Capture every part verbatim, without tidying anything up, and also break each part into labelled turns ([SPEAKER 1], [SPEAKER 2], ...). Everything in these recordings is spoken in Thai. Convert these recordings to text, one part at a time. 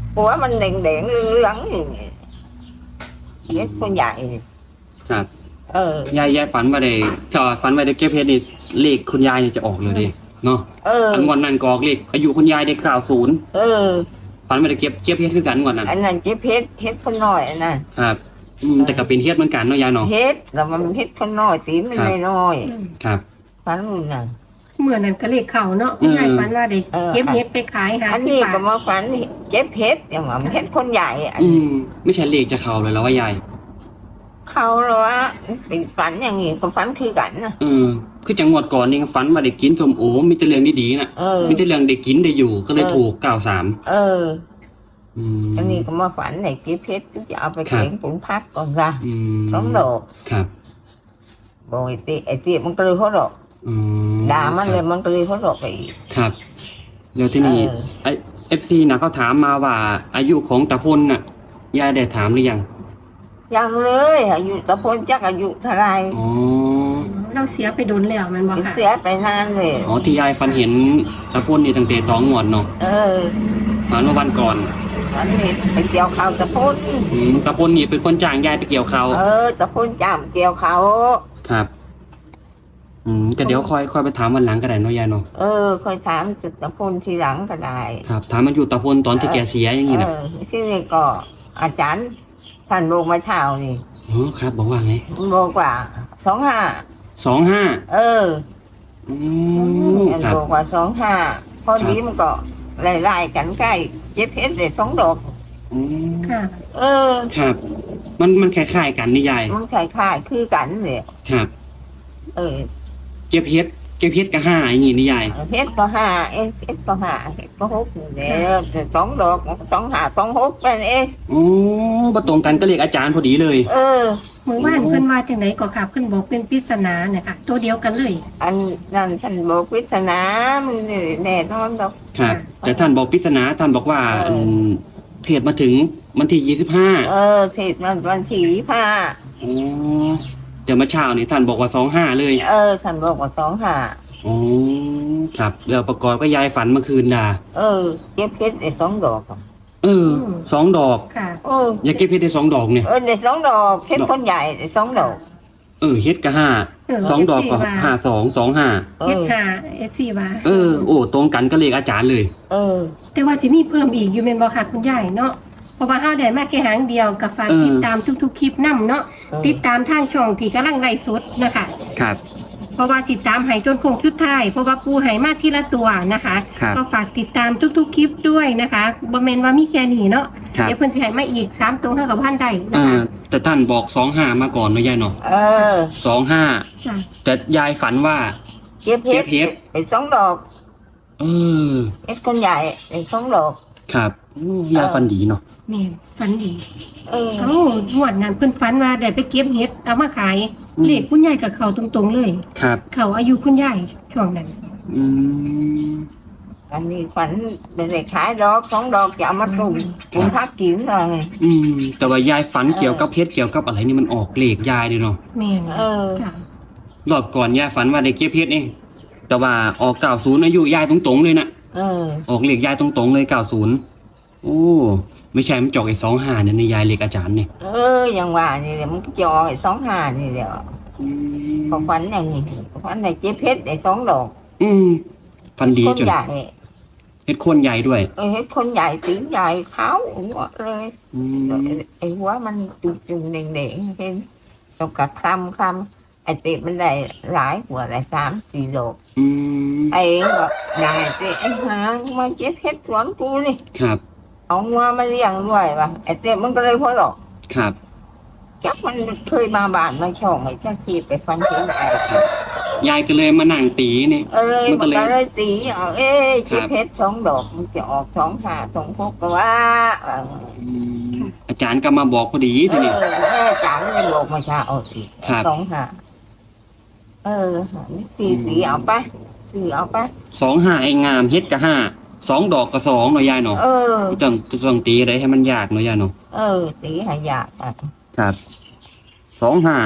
[SPEAKER 1] หัวมันแดงแดงเหลืองๆนี่เฮ็ดคนใหญ่
[SPEAKER 2] ครับ
[SPEAKER 1] เออย
[SPEAKER 2] ายยายฝันว่าได้ก็ฝันว่าได้เก็บเพชรนี่เลขคุณยายนี่จะออกเลยดิเนาะ
[SPEAKER 1] เออ
[SPEAKER 2] อันงวดนั้นก็ออกเลขอายุคุณยายได้เก้าศูนย์
[SPEAKER 1] เออ
[SPEAKER 2] ฝันว่าได้เก็บเก็บเพชรคือกันงวดนั้น
[SPEAKER 1] อันนั้นเจ็บเฮ็ดเฮ็ดคนน้อยอันนั้น
[SPEAKER 2] ครับอืมแต่ก็เป็นเฮ็ดเหมือนกันเนาะยายเนาะ
[SPEAKER 1] เฮ็ดแล้วมันเฮ็ดคนน้อยตีมันน้อย
[SPEAKER 2] ครับ
[SPEAKER 1] ฝันมันน่ะ
[SPEAKER 3] เหมือนนั้นก็เลขเข่าเนาะคุณยายฝันว่าได้เก็บเฮ็ดไปขายหา
[SPEAKER 1] อัน
[SPEAKER 3] สิบ
[SPEAKER 1] นี้
[SPEAKER 3] บาท
[SPEAKER 1] ก็มาฝันเจ็บเฮ็ดอย่างว่ามันเฮ็ดคนใหญ่อัน
[SPEAKER 2] อื
[SPEAKER 1] นี้
[SPEAKER 2] มไม่ใช่เลขจะเข้าเลยแล้วว่ายาย
[SPEAKER 1] เขาหรอว่าเป็นฝันอย่างงี้ก็ฝันคือกันนะ
[SPEAKER 2] เออคือจังหวัดก่อนนี่ฝันว่าได้กินส้มโอมีแต่เรื่องดีๆน่ะ
[SPEAKER 1] เออ
[SPEAKER 2] มีแต่เรื่องได้กินได้อยู่ก็เลยถูกเก้าสาม
[SPEAKER 1] เออ
[SPEAKER 2] อืม
[SPEAKER 1] อันนี้ก็มาฝันไหนเก็บเพชรจะเอาไปเขียงผลพักก่อนละสองดอก
[SPEAKER 2] ครับ
[SPEAKER 1] โบยตีไอตีมันก็เลยเขาดอกด่ามันเลยมันก็เลยเขาดอกไปอีก
[SPEAKER 2] ครับแล้วที่นี่ไอเอฟซีนะเขาถามมาว่าอายุของตาพลน่ะยายได้ถามหรือยัง
[SPEAKER 1] ยังเลยอายุตะพลจักอายุเท่าไร
[SPEAKER 2] อ๋อ
[SPEAKER 3] เราเสียไปโดนแล้วมันบอกค่ะ
[SPEAKER 1] เสียไปนานเลย
[SPEAKER 2] อ๋อที่ยายฝันเห็นตาพลนี่ตั้งแต่ตองงวดเนาะ
[SPEAKER 1] เออ
[SPEAKER 2] ฝันว่าวันก่อน
[SPEAKER 1] วันนี้ไปเกี่ยวเขาตะพล
[SPEAKER 2] อืมตาพลนี่เป็นคนจ้างยายไปเกี่ยวเขา
[SPEAKER 1] เออตะพลจ้างเกี่ยวเขา
[SPEAKER 2] ครับอืมก็เดี๋ยวค่อยค่อยไปถามวันหลังก็ได้เนาะยายเนาะ
[SPEAKER 1] เออค่อยถามจุดตะพลทีหลังก็ได้
[SPEAKER 2] ครับถามมันอยู่ตาพลตอนที่แกเสียอย่างนี้นะ
[SPEAKER 1] เออที่นี่ก็อาจารย์ท่านบอกมาเช้านี่
[SPEAKER 2] อ๋อครับบอกว่าไง
[SPEAKER 1] บอกว่าสองห้า
[SPEAKER 2] สองห้า
[SPEAKER 1] เออ
[SPEAKER 2] อืมครับ
[SPEAKER 1] บอกว่าสองห้าพอดีมันก็ไล่ๆกันใกล้เจ็บเพชรเลยสองดอก
[SPEAKER 2] อืม
[SPEAKER 3] ค่ะ
[SPEAKER 1] เออ
[SPEAKER 2] ครับมันมันคล้ายๆกันนี่ยาย
[SPEAKER 1] มันคล้ายๆคือกันเลย
[SPEAKER 2] ครับ
[SPEAKER 1] เออ
[SPEAKER 2] เก็บเพชรเก็บเพชรก็ห้าอย่างงี้นี่ยาย
[SPEAKER 1] เพชรก็ห้าเอ็เพชรก็ห้าเพชรก็หกเนี่ยสองดอกสองห้าสองหกไปเอง
[SPEAKER 2] โอ้มาตรงกันก็เรียกอาจารย์พอดีเลย
[SPEAKER 1] เออ
[SPEAKER 3] มือว่านเพิ่นว่าจังไดก็ค่ะเพิ่นบอกเป็นปริศนาเนี่ยค่ะตัวเดียวกันเลย
[SPEAKER 1] อันนั้นท่านบอกปริศนามันแน่นอนดอก
[SPEAKER 2] ครับแต่ท่านบอกปริศนาท่านบอกว่าเทศมาถึงวันที่ยี่สิบห้า
[SPEAKER 1] เออเทศมันวันที่ยี่สิบห้า
[SPEAKER 2] อ๋อเดี๋ยวมาเช้านี่ท่านบอกว่าสองห้าเลย
[SPEAKER 1] เออท่านบอกว่าสองห้า
[SPEAKER 2] อ๋อครับเดี๋ยวประกอบก็ยายฝันเมื่อคืนด่า
[SPEAKER 1] เออเก็บเพชรได้สองดอก
[SPEAKER 2] เออสองดอก
[SPEAKER 3] ค่ะ
[SPEAKER 1] เออ
[SPEAKER 2] อยากเก็บเพชรได้สองดอกเนี่ย
[SPEAKER 1] เออได้สองดอกเพชรคนใหญ่ได้สองดอก
[SPEAKER 2] เออเฮ็ดก็ห้าสองดอกก็ห้าสองสองห้า
[SPEAKER 3] เฮ็ดห้าเอสซีว่า
[SPEAKER 2] เออโอ้ตรงกันก็เลขอาจารย์เลย
[SPEAKER 1] เออ
[SPEAKER 3] แต่ว่าสิมีเพิ่มอีกอยู่แม่นบ่ค่ะคุณยายเนาะเพราะว่าเฮาได้มาแค่หางเดียวก็ฝากติดตามทุกๆคลิปนำเนาะติดตามทางช่องที่กำลังไลฟ์สดนะคะ
[SPEAKER 2] ครับ
[SPEAKER 3] เพราะว่าติดตามให้จนคงสุดท้ายเพราะว่าปูให้มาทีละตัวนะคะก็ฝากติดตามทุกๆคลิปด้วยนะคะบ่แม่นว่ามีแค่นี้เนาะเดี๋ยวเพิ่นสิให้มาอีกสามตัวเท่ากับพันได้นะคะ
[SPEAKER 2] แต่ท่านบอกสองห้ามาก่อนเนาะยายเนาะ
[SPEAKER 1] เออ
[SPEAKER 2] สองห้า
[SPEAKER 3] จ้ะ
[SPEAKER 2] แต่ยายฝันว่า
[SPEAKER 1] เก็บเพชรไอ้สองดอก
[SPEAKER 2] เออ
[SPEAKER 1] เอ็ดคนใหญ่ไอ้สองดอก
[SPEAKER 2] ครับยายฝันดีเนาะ
[SPEAKER 3] แม่ฝันดี
[SPEAKER 1] เออ
[SPEAKER 3] เอ้างวดนั้นเพิ่นฝันว่าได้ไปเก็บเห็ดเอามาขายเลขคุณยายกับเขาตรงๆเลย
[SPEAKER 2] ครับ
[SPEAKER 3] เขาอายุคุณยายช่วงนั้น
[SPEAKER 2] อืม
[SPEAKER 1] อันนี้ฝันเป็นเลขขายดอกสองดอกจะเอามาตุ่มตุ่มพักกินอะไรไง
[SPEAKER 2] อืมแต่ว่ายายฝันเกี่ยวกับเพชรเกี่ยวกับอะไรนี่มันออกเลขยายเลยเนาะ
[SPEAKER 3] แม่
[SPEAKER 1] เออ
[SPEAKER 3] ค่ะ
[SPEAKER 2] รอบก่อนยายฝันว่าได้เก็บเพชรเองแต่ว่าออกเก้าศูนย์อายุยายตรงๆเลยนะ
[SPEAKER 1] เออ
[SPEAKER 2] ออกเลขยายตรงๆเลยเก้าศูนย์โอ้ไม่ใช่มันจอกไอ้สองห้าเนี่ยในยายเลขอาจารย์เนี่ย
[SPEAKER 1] เอออย่างว่านี่เดี๋ยวมันจอไอ้สองห้านี่เดี๋ยวพอฝันอย่างนี้ฝันในเจ๊เพชรไอ้สองดอก
[SPEAKER 2] อืมฝันดี
[SPEAKER 1] จนใหญ่
[SPEAKER 2] เฮ็ดคนใหญ่ด้วย
[SPEAKER 1] เออเฮ็ดคนใหญ่ตีใหญ่เขาหมดเลยไอ้หัวมันจุ่มๆแดงๆเห็นตกกระคลำคลำไอ้ติมันได้หลายหัวหลายสามสี่ดอกไอ้ก็ได้ติไอ้หามาเจ๊เพชรสวนกูนี่
[SPEAKER 2] ครับ
[SPEAKER 1] เอางัวมาเลี้ยงด้วยว่ะไอ้เต็มมันก็เลยพอหรอก
[SPEAKER 2] ครับ
[SPEAKER 1] จักมันเคยมาบ้านมาช่องไอ้จักขีดไปฟันเห็นไอ้
[SPEAKER 2] ยายก็เลยมานั่งตีนี่
[SPEAKER 1] เออมันก็เลยตีเอาเอ้เจ็บเพชรสองดอกมันจะออกสองห้าสองหกก็ว่า
[SPEAKER 2] อาจารย์ก็มาบอกพอดีทีนี้
[SPEAKER 1] เอออาจารย์เลยบอกมาชาเอาสิสองห้าเออตีตีเอาไปตีเอาไป
[SPEAKER 2] สองห้าไอ้งามเฮ็ดกับห้าสองดอกกับสองเนาะยายเนาะ
[SPEAKER 1] เออ
[SPEAKER 2] ต้องต้องตีอะไรให้มันยากเนาะยายเนาะ
[SPEAKER 1] เออตีให้ยากอ่ะ
[SPEAKER 2] ครับสองห้า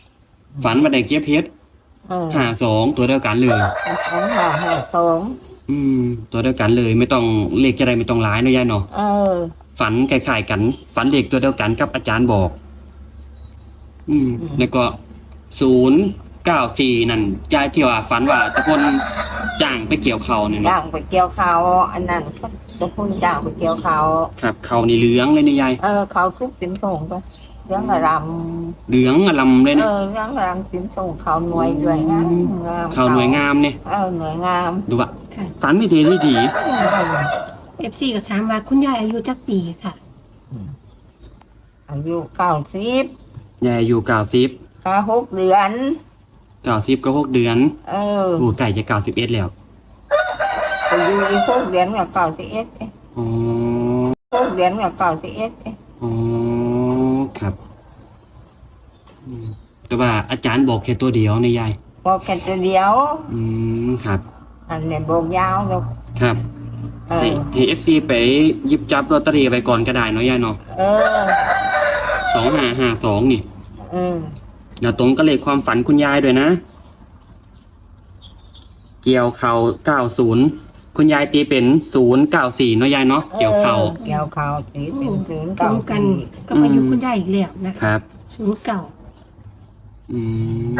[SPEAKER 2] ฝันว่าได้เก็บเพชรห้าสองตัวเดียวกันเลย
[SPEAKER 1] สองห้าห้าสอง
[SPEAKER 2] ออืม ตัวเดียวกันเลยไม่ต้องเลขจะได้ไม่ต้องหลายเนาะยายเนาะ
[SPEAKER 1] เออ
[SPEAKER 2] ฝันคล้ายๆกัน ฝันเลขตัวเดียวกันกับอาจารย์บอก อืม
[SPEAKER 1] อืม
[SPEAKER 2] แล้วก็ศูนย์เก้าสี่นั่นยายที่ว่าฝันว่าตะพนจ้างไปเกี่ยวเขาเนี่ย
[SPEAKER 1] ย่า
[SPEAKER 2] เนาะ
[SPEAKER 1] งไปเกี่ยวเขาอันนั้นเขาจะพูดย่างไปเกี่ยวเขา
[SPEAKER 2] ครับเขานี่เหลืองเลยเนี่ยยาย
[SPEAKER 1] เออเขาทุกสินส่งไปเรื่องอารม
[SPEAKER 2] เหลืองอลำเลย
[SPEAKER 1] เอ
[SPEAKER 2] นะ
[SPEAKER 1] อเรื่องอารมสินส่งเขาหน่วยด้วยงามงาม
[SPEAKER 2] เขาหน่วยงามเนี่ย
[SPEAKER 1] เออหน่วยงาม
[SPEAKER 2] ดูว่า
[SPEAKER 3] ค่ะ
[SPEAKER 2] ฝันไม่ดีได้ดี
[SPEAKER 3] เอฟซีก็ถามว่าคุณยายอายุจักปีค่ะ
[SPEAKER 1] อายุเก้าสิบ
[SPEAKER 2] ยายอายู่เก้าสิบ
[SPEAKER 1] เก้าหกเดือน
[SPEAKER 2] เก้าสิบก็หกเดือน
[SPEAKER 1] เออ
[SPEAKER 2] โอ้ไก่จะเก้าสิบเอ็ดแล้ว
[SPEAKER 1] อายุอีกหกเดือนกับเก้าสิบเอ็ด
[SPEAKER 2] อ๋อ
[SPEAKER 1] หกเดือนกับเก้าสิบเอ็ด
[SPEAKER 2] อ๋อครับอืมแต่ว่าอาจารย์บอกแค่ตัวเดียวในะยาย
[SPEAKER 1] บอกแค่ตัวเดียว
[SPEAKER 2] อืมครับ
[SPEAKER 1] อันนี้บอกยาวแล้ว
[SPEAKER 2] ครับ
[SPEAKER 1] เอ
[SPEAKER 2] ให้
[SPEAKER 1] อ
[SPEAKER 2] ให้เอฟซีไปหยิบจับลอตเตอรี่ไปก่อนก็ได้เนาะยายเนาะ
[SPEAKER 1] เออ
[SPEAKER 2] สองห้าห้าสองนี่
[SPEAKER 1] เออ
[SPEAKER 2] แล้วตรงก็เลขความฝันคุณยายด้วยนะ เกี่ยวเข่าเก้าศูนย์คุณยายตีเป็นศูนย์เก้าสี่เนาะยายเนาะเกี่ยวเข่า
[SPEAKER 1] ออเกี่ยวเขาสีเป็นศูนย์
[SPEAKER 3] ตร
[SPEAKER 1] เก้าง
[SPEAKER 3] กัน
[SPEAKER 1] สี่
[SPEAKER 3] กับอายุคุณยายอีกแล้วนะ
[SPEAKER 2] ค
[SPEAKER 3] คะ
[SPEAKER 2] รับ
[SPEAKER 3] ศูนย์เก่า
[SPEAKER 2] อืม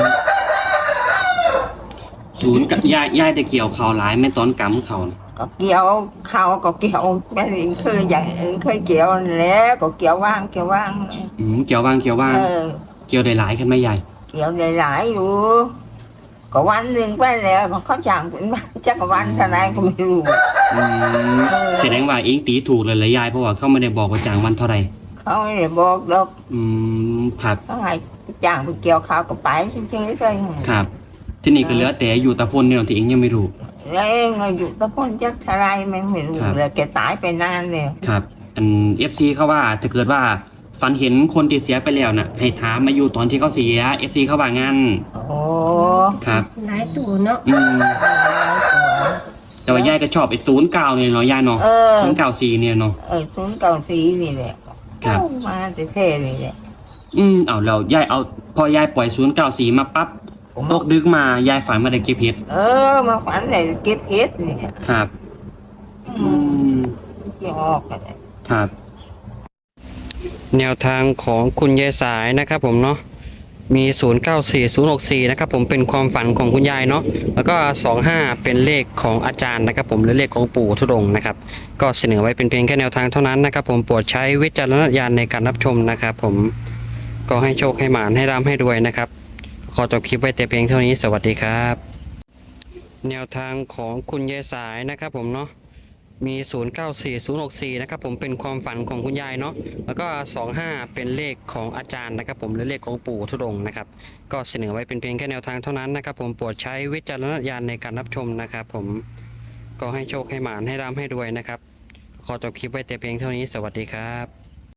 [SPEAKER 2] ศูนย์กับยายยายแต่เกี่ยวเข่าหลายแม่ตอนกำเข่าน่ะ
[SPEAKER 1] ก็เกี่ยวเขาก็เกี่ยวไม่ได้เคยอย่างอื่นเคยเกี่ยวแล้วก็เกี่ยวว่างเกี่ยวว่าง
[SPEAKER 2] อืมเกี่ยวว่างเกี่ยวว่าง
[SPEAKER 1] เออ
[SPEAKER 2] เกี่ยวได้หลายขึ้นไหมยาย
[SPEAKER 1] เกี่ยวหลายๆอยู่ ก็วันหนึ่งไปแล้วมันเขาจ้างเป็นวันจักรวันเท่าไหรก็ไม่รู้
[SPEAKER 2] อืม
[SPEAKER 1] เออ
[SPEAKER 2] แสดงว่าเองตีถูกเลยเหรอยายเพราะว่าเขาไม่ได้บอกว่าจ้างวันเท่าไหร่
[SPEAKER 1] เขาไม่ได้บอกหรอก
[SPEAKER 2] อืมครับ
[SPEAKER 1] เขาให้จ้างไปเกี่ยวเขาก็ไปเฉยๆเลย
[SPEAKER 2] ครับ ที่นี่ก็เหลือแต่อยู่ตะพนเนี่ยที่เองยังไม่รู้
[SPEAKER 1] แล้วเองอยู่ตะพ้นจักเท่าไหรมันไม่รู้
[SPEAKER 2] ครับ
[SPEAKER 1] เลยแกตายไปนานแล้ว
[SPEAKER 2] ครับ อันเอฟซีเขาว่าถ้าเกิดว่าฝันเห็นคนที่เสียไปแล้วน่ะ ให้ถามมาอยู่ตอนที่เขาเสียเอฟซีเขาว่างั้น
[SPEAKER 1] โอ้
[SPEAKER 2] ครับ
[SPEAKER 3] หลายตัวเนาะ
[SPEAKER 2] อืมแต่ว่ายายก็ชอบไอ้ศูนย์เก้าเนี่ยเนาะยายเนาะ
[SPEAKER 1] เออ
[SPEAKER 2] ศูนย์เก้าสี่เนี่ยเนาะ
[SPEAKER 1] เออศูนย์เก้าสี่นี่แหละ
[SPEAKER 2] ครับ
[SPEAKER 1] เอามาแต่เท่นี่แหละ
[SPEAKER 2] อืมเอาเรายายเอาพอยายปล่อยศูนย์เก้าสี่มาปั๊บตกดึกมายายฝันมาได้เก็บเห็ด
[SPEAKER 1] เออมาฝันเลยเก็บเห็ดนี่
[SPEAKER 2] ครับ อืม
[SPEAKER 1] ที่ออกกันเลย
[SPEAKER 2] ครับ แนวทางของคุณยายสายนะครับผมเนาะมี ศูนย์ เก้า สี่ ศูนย์ หก สี่ นะครับผมเป็นความฝันของคุณยายเนาะแล้วก็ สอง ห้า เป็นเลขของอาจารย์นะครับผมหรือเลขของปู่ธุดงค์นะครับก็เสนอไว้เป็นเพียงแค่แนวทางเท่านั้นนะครับผมโปรดใช้วิจารณญาณในการรับชมนะครับผมก็ให้โชคให้หมานให้ร่ำให้รวยนะครับขอจบคลิปไว้แต่เพียงเท่านี้สวัสดีครับ แนวทางของคุณยายสายนะครับผมเนาะมี ศูนย์ เก้า สี่ ศูนย์ หก สี่ นะครับผมเป็นความฝันของคุณยายเนาะแล้วก็ สอง ห้า เป็นเลขของอาจารย์นะครับผมหรือเลขของปู่ธุดงค์นะครับก็เสนอไว้เป็นเพียงแค่แนวทางเท่านั้นนะครับผมโปรดใช้วิจารณญาณในการรับชมนะครับผมก็ให้โชคให้หมานให้ร่ำให้รวยนะครับขอจบคลิปไว้แต่เพียงเท่านี้สวัสดีครับ